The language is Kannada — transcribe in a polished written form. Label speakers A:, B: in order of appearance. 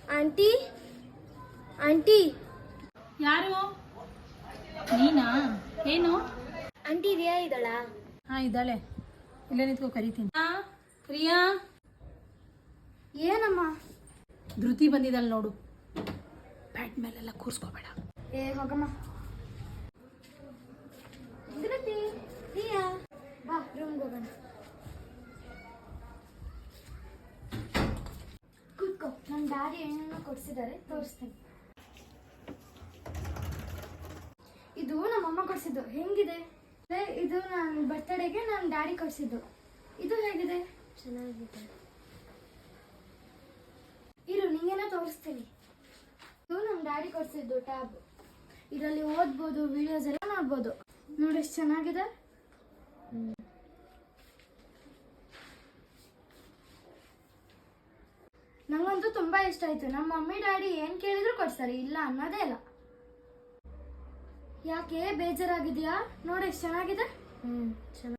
A: ಆಂಟಿ ಆಂಟಿ
B: ಯಾರು? ನೀನಾ? ಏನು?
A: ಆಂಟಿ ರಿಯಾ ಇದ್ದಾಳಾ?
B: ಹಾ ಇದ್ದಾಳೆ. ಇಲ್ಲೇ ನಿಂತ್ಕೋ, ಕರಿತೀನಿ. ಪ್ರಿಯಾ,
A: ಏನಮ್ಮ?
B: ಧೃತಿ ಬಂದಿದ್ದಾಳೆ ನೋಡು. ಬ್ಯಾಟ್ ಮೇಲೆಲ್ಲ ಕೂರ್ಸ್ಕೋಬೇಡ.
A: ಏ ಹೋಗಮ್ಮ. ಧೃತಿ, ರಿಯಾ, ಬಾ ರೂಮ್ಗೆ ಹೋಗೋಣ. ಕೂತ್ಕೋ. ನಮ್ಮ ಡ್ಯಾಡಿ ಏನೇನೋ ಕೊಡ್ಸಿದ್ದಾರೆ, ತೋರಿಸ್ತೀನಿ. ಇದು ನಮ್ಮಮ್ಮ ಕೊಡ್ಸಿದ್ದು. ಹೆಂಗಿದೆ? ಇದು ನನ್ನ ಬರ್ತ್ಡೇಗೆ ನನ್ನ ಡ್ಯಾಡಿ ಕೊಡ್ಸಿದ್ದು. ಇದು ಹೇಗಿದೆ? ಚೆನ್ನಾಗಿದೆ. ಇರು, ನಿಂಗೇನೋ ತೋರಿಸ್ತೀನಿ. ಇದು ನಮ್ಮ ಡ್ಯಾಡಿ ಕೊಡ್ಸಿದ್ದು ಟ್ಯಾಬ್. ಇದರಲ್ಲಿ ಓದ್ಬೋದು, ವಿಡಿಯೋಸ್ ಎಲ್ಲ ನೋಡ್ಬೋದು. ನೋಡಿ ಎಷ್ಟು ಚೆನ್ನಾಗಿದೆ. ನಂಗಂತೂ ತುಂಬಾ ಇಷ್ಟ ಆಯ್ತು. ನಮ್ಮ ಮಮ್ಮಿ ಡ್ಯಾಡಿ ಏನ್ ಕೇಳಿದ್ರು ಕೊಡ್ತಾರೆ, ಇಲ್ಲ ಅನ್ನೋದೇ ಇಲ್ಲ. ಯಾಕೆ ಬೇಜಾರಾಗಿದ್ಯಾ? ನೋಡಿ ಎಷ್ಟು ಚೆನ್ನಾಗಿದೆ. ಚೆನ್ನಾಗಿ